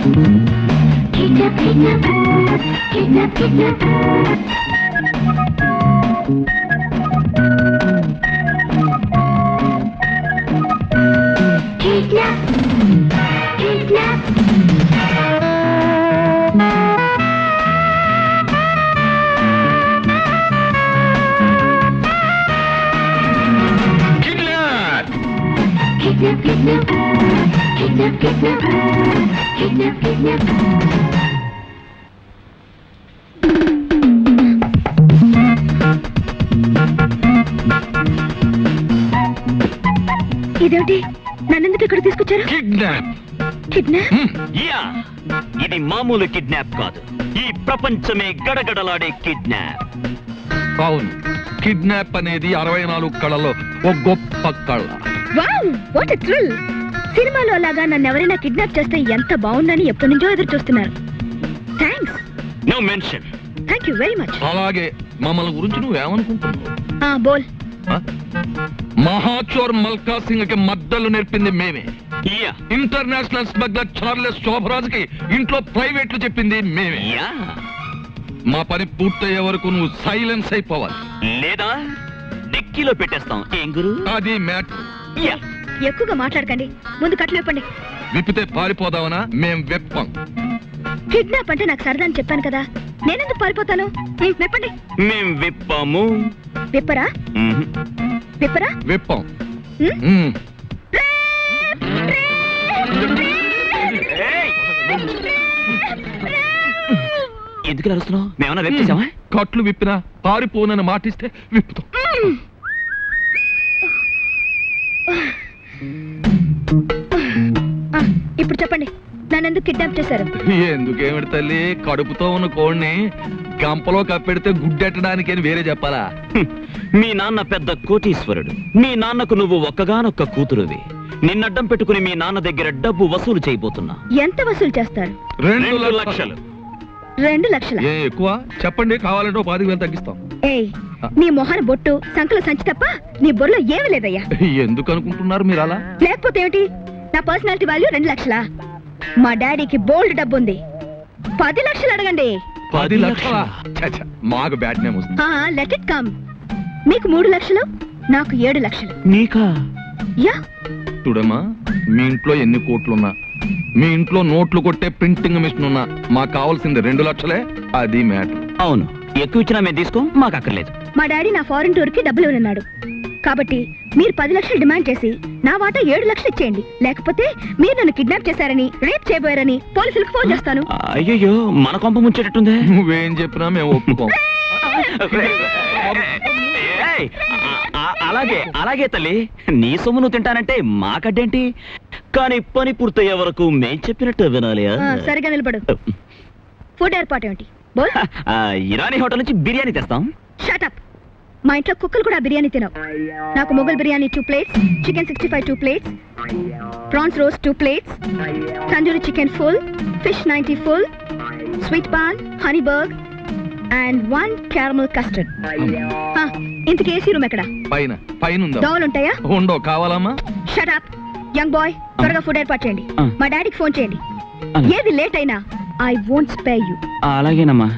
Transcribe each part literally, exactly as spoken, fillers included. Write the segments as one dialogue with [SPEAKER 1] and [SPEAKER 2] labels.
[SPEAKER 1] Kidnap, kidnap, kidnap, kidnap. Kidnap, kidnap. Kidnap, kidnap, kidnap, kidnap, kidnap, kidnap. ఇదేంటి నన్నెందుకు ఇక్కడ తీసుకొచ్చారు?
[SPEAKER 2] కిడ్నాప్.
[SPEAKER 1] కిడ్నాప్?
[SPEAKER 3] యా, ఇది మామూలు కిడ్నాప్ కాదు, ఈ ప్రపంచమే గడగడలాడే కిడ్నాప్.
[SPEAKER 2] అవును, కిడ్నాప్ అనేది అరవై నాలుగు కళలో ఒక గొప్ప కళ.
[SPEAKER 1] Wow, what a thrill! సినిమాలో లాగా నన్ను ఎవరైనా కిడ్నాప్ చేస్తే ఎంత బాగుందని ఎప్పటి నుంచో ఎదురు చూస్తున్నారు. Thanks.
[SPEAKER 3] No mention.
[SPEAKER 1] Thank you very much.
[SPEAKER 2] అలాగే మమ్మల్ని గురించి నువ్వేమనుకుంటున్నావు?
[SPEAKER 1] ఆ బోల్.
[SPEAKER 2] మహాచోర్ మల్కా సింగ్ కి మద్దలు నేర్పింది మేమే.
[SPEAKER 3] Yeah,
[SPEAKER 2] international smuggler Charles Sobhraj కి ఇంట్లో ప్రైవేట్లు చెప్పింది మేమే.
[SPEAKER 3] యా,
[SPEAKER 2] మా పని పూర్తయ్యే వరకు నువ్వు సైలెన్స్ అయిపోవాలి,
[SPEAKER 3] లేదా డిక్కీలో పెట్టేస్తాం. ఏం గురు?
[SPEAKER 2] అది మ్యాటర్.
[SPEAKER 3] యా,
[SPEAKER 1] ఎక్కువగా మాట్లాడకండి, ముందు కట్లు విప్పండి.
[SPEAKER 2] విప్పితే పారిపోదావనా? మేం వెప్పం.
[SPEAKER 1] కిడ్నాప్ అంటే నాకు సరదా అని చెప్పాను కదా, నేనెందుకు పారిపోతాను? ఉమ్, విప్పండి.
[SPEAKER 3] మేం విప్పాము.
[SPEAKER 1] విప్పరా?
[SPEAKER 3] మ్మ్.
[SPEAKER 2] విప్పరా? విప్పం.
[SPEAKER 1] ఉమ్?
[SPEAKER 2] మ్మ్.
[SPEAKER 3] ఏయ్! ఎందుకు అరుస్తున్నావు? మేమన్నా వెప్ చేసామా?
[SPEAKER 2] కట్లు విప్పినా పారిపోనని మాటిస్తే విప్పుతాం.
[SPEAKER 1] ఆ, ఇప్పుడు చెప్పండి, నన్నెందుకు కిడ్నాప్ చేశారు?
[SPEAKER 2] ఎందుకేమిటి తల్లి, కడుపుతో ఉన్న కోడిని గంపలో కప్పెడితే గుడ్డెట్టడానికి అని వేరే చెప్పాలా?
[SPEAKER 3] హ్మ్. మీ నాన్న పెద్ద కోటీశ్వరుడు, మీ నాన్నకు నువ్వు ఒక్కగానొక్క కూతురువి. నిన్నడ్డం పెట్టుకుని మీ నాన్న దగ్గర డబ్బు వసూలు చేయబోతున్నా.
[SPEAKER 1] ఎంత వసూలు చేస్తారు?
[SPEAKER 2] రెండు
[SPEAKER 3] రెండు
[SPEAKER 2] లక్షలు.
[SPEAKER 3] లక్షలు.
[SPEAKER 1] రెండు లక్షల?
[SPEAKER 2] ఏ ఎక్కువ చెప్పండి, కావాలంటే ఓ పాతిక వేలు తగ్గిస్తాం.
[SPEAKER 1] ఏయ్, నీ మొహన బొట్టు సంకల సంచి తప్ప నీ బొర్రలో ఏమీ లేదయ్యా.
[SPEAKER 2] ఎందుకు అనుకుంటున్నారు మీరు అలా?
[SPEAKER 1] లేకపోతే ఏమిటి, నా పర్సనాలిటీ వాల్యూ రెండు లక్షలా? మా డాడీకి బోల్డ్ డబ్బు ఉంది, పది లక్షలు అడగండి.
[SPEAKER 2] పది లక్షల? మాకు బ్యాడ్ నేమ్ వస్తుంది.
[SPEAKER 1] Let it come. మీకు మూడు లక్షలు, నాకు ఏడు లక్షలు.
[SPEAKER 3] నీకా?
[SPEAKER 1] యా.
[SPEAKER 2] చూడమ్మా, మీ ఇంట్లో ఎన్ని కోట్లున్నా, మీ ఇంట్లో నోట్లు కొట్టే ప్రింటింగ్ మిషన్ ఉన్నా, మాకు కావాల్సింది రెండు లక్షలే. అది మ్యాటర్.
[SPEAKER 3] అవును, ఎక్కువ ఇచ్చినా మేము తీసుకో, మాకు అక్కర్లేదు.
[SPEAKER 1] మా డాడీ నా ఫారెన్ టూర్ కి డబ్బులు ఇవ్వనున్నాడు, కాబట్టి మీరు పది లక్షలు డిమాండ్ చేసి నా వాటా ఏడు లక్షలు ఇచ్చేయండి. లేకపోతే మీరు నన్ను కిడ్నాప్ చేశారని, రేప్ చేయబోయారని పోలీసులకు ఫోన్ చేస్తాను.
[SPEAKER 3] అయ్యో, మన కొంప ముంచేటట్టుందే.
[SPEAKER 2] నువ్వేం చెప్పినా మేము ఒప్పుకోం.
[SPEAKER 3] ఏయ్, ఆ- అలాగే అలాగే తల్లి, నీ సొమ్ము నువ్వు తింటానంటే మాకడ్డేంటి? కానీ పని పూర్తయ్యే వరకు మేం చెప్పినట్టు వినాలి.
[SPEAKER 1] ఆ, సరిగా నిలబడు. ఫుడ్ ఏర్పాటు ఏమిటి? బోల్.
[SPEAKER 3] ఆ, ఇరానీ హోటల్ నుంచి బిర్యానీ తెస్తాం.
[SPEAKER 1] షటప్. మా ఇంట్లో కుక్కలు కూడా బిర్యానీ తినవు. నాకు Mughal biryani two plates, chicken sixty five two plates, prawns roast two plates, tandoori chicken full, fish ninety full, sweet paan, honey burg and one caramel custard. ఇంతకీ ఏసీ రూమ్ ఎక్కడ?
[SPEAKER 2] పైన. పైన ఉందా?
[SPEAKER 1] దోవలు ఉంటాయా?
[SPEAKER 2] ఉండో. కావాలమ్మా?
[SPEAKER 1] షటప్. యంగ్ బాయ్, త్వరగా ఫుడ్ ఏర్పాటు చేయండి. మా డాడీకి ఫోన్ చేయండి.
[SPEAKER 3] అలాగే.
[SPEAKER 1] ఏది లేట్ అయినా ఐ వోంట్ స్పేర్ యూ.
[SPEAKER 3] అలాగేనమ్మా.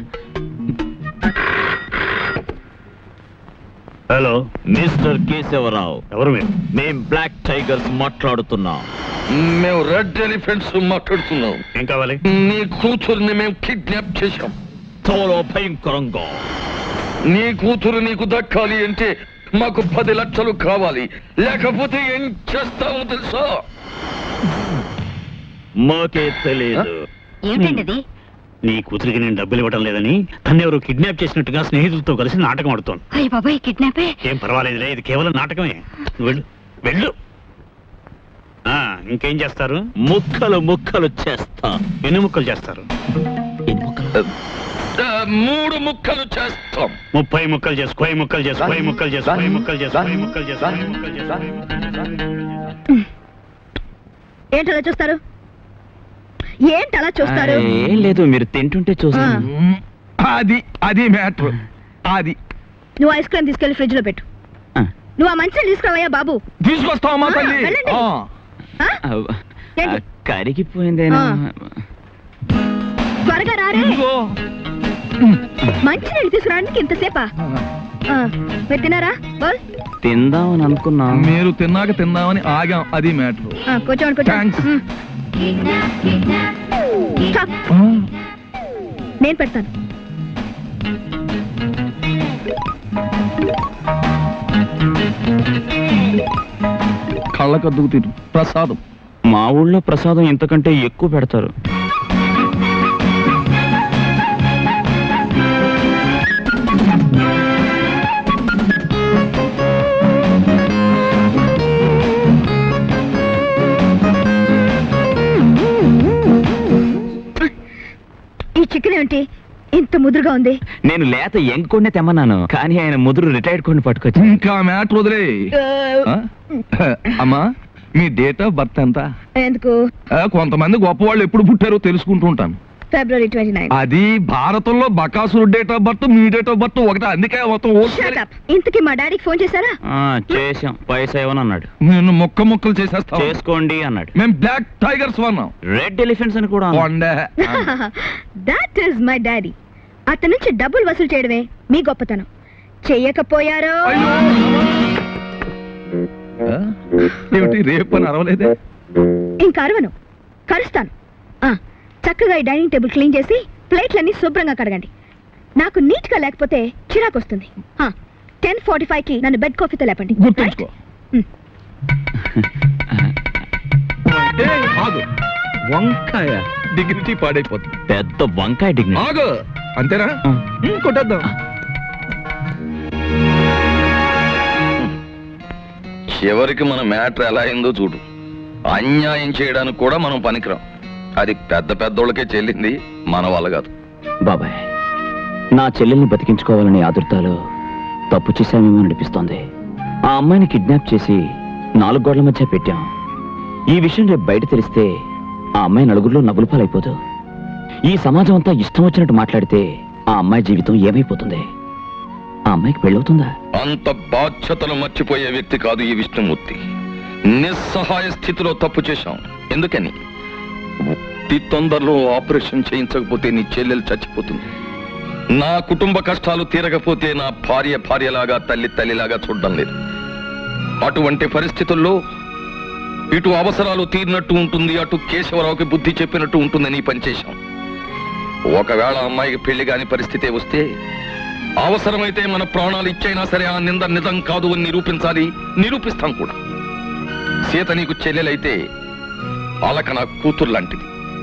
[SPEAKER 3] Hello, mister Keshavarao. ఎవరు మీరు? మేం బ్లాక్ టైగర్స్ మాట్లాడుతున్నాం.
[SPEAKER 2] మేము రెడ్ ఎలిఫెంట్స్ మాట్లాడుతున్నాం.
[SPEAKER 3] ఏం కావాలి?
[SPEAKER 2] నీ కూతురుని మేము కిడ్నాప్ చేశాం.
[SPEAKER 3] చాలా భయంకరంగా.
[SPEAKER 2] నీ కూతురు నీకు దక్కాలి అంటే మాకు పది లక్షలు కావాలి, లేకపోతే ఏం చేస్తావో తెలుసా?
[SPEAKER 3] మాకే తెలియదు.
[SPEAKER 1] ఏమిటండి అది?
[SPEAKER 4] నీ కూతురికి నేను డబ్బులు ఇవ్వడం లేదని తను ఎవరు కిడ్నాప్ చేసినట్టుగా స్నేహితులతో కలిసి నాటకం ఆడుతోంది.
[SPEAKER 1] అయ్య బాబాయ్, కిడ్నాపే?
[SPEAKER 4] ఏం పర్వాలేదులే, ఇది కేవలం నాటకమే. నువ్వు వెళ్ళు వెళ్ళు. ఆ, ఇంకేం చేస్తారు?
[SPEAKER 3] ముక్కలు ముక్కలు చేస్తా.
[SPEAKER 4] ఎన్ని ముక్కలు చేస్తారు?
[SPEAKER 3] ఎన్ని ముక్కలు?
[SPEAKER 2] ఆ, మూడు ముక్కలు చేస్తాం.
[SPEAKER 4] ముప్పై ముక్కలు చేసు, కోయి ముక్కలు చేసు, కోయి ముక్కలు చేసు, కోయి ముక్కలు చేసు, కోయి ముక్కలు చేసు, కోయి ముక్కలు చేసు.
[SPEAKER 1] ఏంటలా చూస్తారు? ఏంటలా చూస్తారు?
[SPEAKER 3] ఏం లేదు, మీరు తింటుంటే చూస్తాను.
[SPEAKER 2] మ్మ్. అది అది మ్యాటర్. అది
[SPEAKER 1] నువ్వు ఐస్ క్రీమ్ తీసుకెళ్లి ఫ్రిడ్జ్ లో పెట్టు.
[SPEAKER 3] ఆ.
[SPEAKER 1] నువ్వు ఆ మంచిని తీసుకురావయ్యా బాబు.
[SPEAKER 2] తీసుకొస్తావమ్మా
[SPEAKER 1] ఆ,
[SPEAKER 2] తల్లి.
[SPEAKER 1] వెళ్ళండి.
[SPEAKER 2] ఆ.
[SPEAKER 1] ఆ? ఏంటి?
[SPEAKER 3] కరిగిపోయిందేనా?
[SPEAKER 1] ఆ. రారే
[SPEAKER 2] ఇదిగో.
[SPEAKER 1] మంచి నీళ్ళు తీసుకురావడానికి ఇంతసేపా ఆ, మీరు తిన్నారా బోల్
[SPEAKER 3] తిందామని అనుకున్నా.
[SPEAKER 2] మీరు తిన్నాక తిందామని ఆగాం, అది మ్యాటర్.
[SPEAKER 1] ఆ, కూర్చోండి
[SPEAKER 2] Thanks.
[SPEAKER 1] కూర్చోండి మ్. Stop. నేను పెడతాను
[SPEAKER 2] కళ్ళకద్దుకు తిరు ప్రసాదం.
[SPEAKER 3] మా ఊళ్ళో ప్రసాదం ఇంతకంటే ఎక్కువ పెడతారు.
[SPEAKER 1] ఈ చికెన్ ఏంటి ఇంత ముదురుగా ఉంది
[SPEAKER 3] నేను లేత ఎంకొండే తెమ్మన్నాను, కానీ ఆయన ముదురు రిటైర్డ్ కొన్ని పట్టుకొచ్చి.
[SPEAKER 2] ఇంకా మ్యాటర్ వదిలే. ఆ? అమ్మా మీ డేట్ ఆఫ్ బర్త్ ఎంత?
[SPEAKER 1] ఎందుకు
[SPEAKER 2] ఆ, కొంతమంది గొప్ప వాళ్ళు ఎప్పుడు పుట్టారో తెలుసుకుంటూ ఉంటాను.
[SPEAKER 1] ఫిబ్రవరి ట్వంటీ నైన్
[SPEAKER 2] అది భారతంలో బకాసురు డేట్ ఆఫ్ బర్త్, మీ డేట్ ఆఫ్ బర్త్ ఒకటే, అందుకే మొత్తం ఓకే.
[SPEAKER 1] ఇంతకీ మా డాడీకి ఫోన్ చేశారా
[SPEAKER 3] ఆ, చేశాం, పైసా ఇవ్వను అన్నాడు.
[SPEAKER 2] నేను మొక్క మొక్కలు చేసేస్తా.
[SPEAKER 3] చేసుకోండి అన్నాడు.
[SPEAKER 2] మేము బ్లాక్ టైగర్స్ వన్నాం.
[SPEAKER 3] రెడ్ ఎలిఫెంట్స్ అని కూడా అన్నాడు.
[SPEAKER 2] కొండే.
[SPEAKER 1] That is my daddy. అతని నుంచి డబ్బులు వసూలు చేయడమే మీ గొప్పతనం. చెయ్యకపోయారో
[SPEAKER 2] అయ్యో. ఆ? ఏమిటి రేపు అని అరవలేదే?
[SPEAKER 1] ఇంకా అరవను, కరుస్తాను. ఆ, చక్కగా ఈ డైనింగ్ టేబుల్ క్లీన్ చేసి ప్లేట్లన్నీ శుభ్రంగా కడగండి. నాకు నీట్ గా లేకపోతే చిరాకు వస్తుంది. టెన్ ఫార్టీ ఫైవ్ కి నన్ను బెడ్ కాఫీతో లేపండి.
[SPEAKER 2] గుర్తుంచుకో.
[SPEAKER 1] Hmm.
[SPEAKER 2] ఏయ్, ఆగు. వంకాయ డిగ్నిటీ పాడైపోతుంది.
[SPEAKER 3] పెద్ద వంకాయ డిగ్నిటీ.
[SPEAKER 2] ఆగు. అంతేనా?
[SPEAKER 3] ఉమ్.
[SPEAKER 2] ఉమ్, కొట్టేద్దాం. చివరికి మన మ్యాటర్ ఎలా అయిందో చూడు. అన్యాయం చేయడానికి కూడా మనం పనికిరాం. అది పెద్ద పెద్దోళ్ళకే చెల్లింది, మన వల్ల కాదు.
[SPEAKER 3] బాబాయ్, నా చెల్లెల్ని బతికించుకోవాలని ఆదుర్తాలో తప్పు చేశామేమో అనిపిస్తోంది. ఆ అమ్మాయిని కిడ్నాప్ చేసి నాలుగు గోడల మధ్య పెట్టాం. ఈ విషయం రేపు బయట తెలిస్తే ఆ అమ్మాయి నలుగురిలో నవ్వుల పాలైపోదు. ఈ సమాజం అంతా ఇష్టం వచ్చినట్టు మాట్లాడితే ఆ అమ్మాయి జీవితం ఏమైపోతుంది? ఆ అమ్మాయికి పెళ్ళవుతుందా?
[SPEAKER 2] అంత బాధ్యతలు మర్చిపోయే వ్యక్తి కాదు ఈ విష్ణుమూర్తి. నిస్సహాయ స్థితిలో తప్పు చేశాం. ఎందుకని? ఈ తొందరలో ఆపరేషన్ చేయించకపోతే నీ చెల్లెలు చచ్చిపోతుంది. నా కుటుంబ కష్టాలు తీరకపోతే నా భార్య భార్యలాగా, తల్లి తల్లిలాగా చూడడం లేదు. అటువంటి పరిస్థితుల్లో ఇటు అవసరాలు తీరినట్టు ఉంటుంది, అటు కేశవరావుకి బుద్ధి చెప్పినట్టు ఉంటుందని పనిచేశాం. ఒకవేళ అమ్మాయికి పెళ్లి కాని పరిస్థితే వస్తే అవసరమైతే మన ప్రాణాలు ఇచ్చైనా సరే ఆ నింద నిజం కాదు అని నిరూపించాలి, నిరూపిస్తాం కూడా. సీత నీకు చెల్లెలైతే అలక నా కూతురు లాంటిది.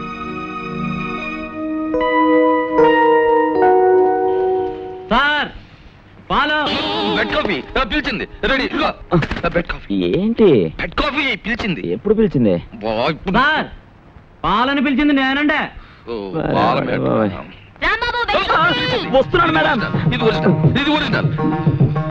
[SPEAKER 3] సార్, పాలు.
[SPEAKER 2] బెడ్ కాఫీ ఆ, పిలిచింది. రెడీ. ఇదిగో. ఆ, బెడ్ కాఫీ.
[SPEAKER 3] ఏంటి
[SPEAKER 2] బెడ్ కాఫీ పిలిచింది.
[SPEAKER 3] ఎప్పుడు పిలిచింది?
[SPEAKER 2] బా, ఇప్పుడు-
[SPEAKER 3] సార్, పాలని పిలిచింది నేనండే.
[SPEAKER 2] ఓ, బాల మేడం.
[SPEAKER 3] వస్తున్నాను మేడం.
[SPEAKER 2] ఇది ఒరిజినల్, ఇది ఒరిజినల్.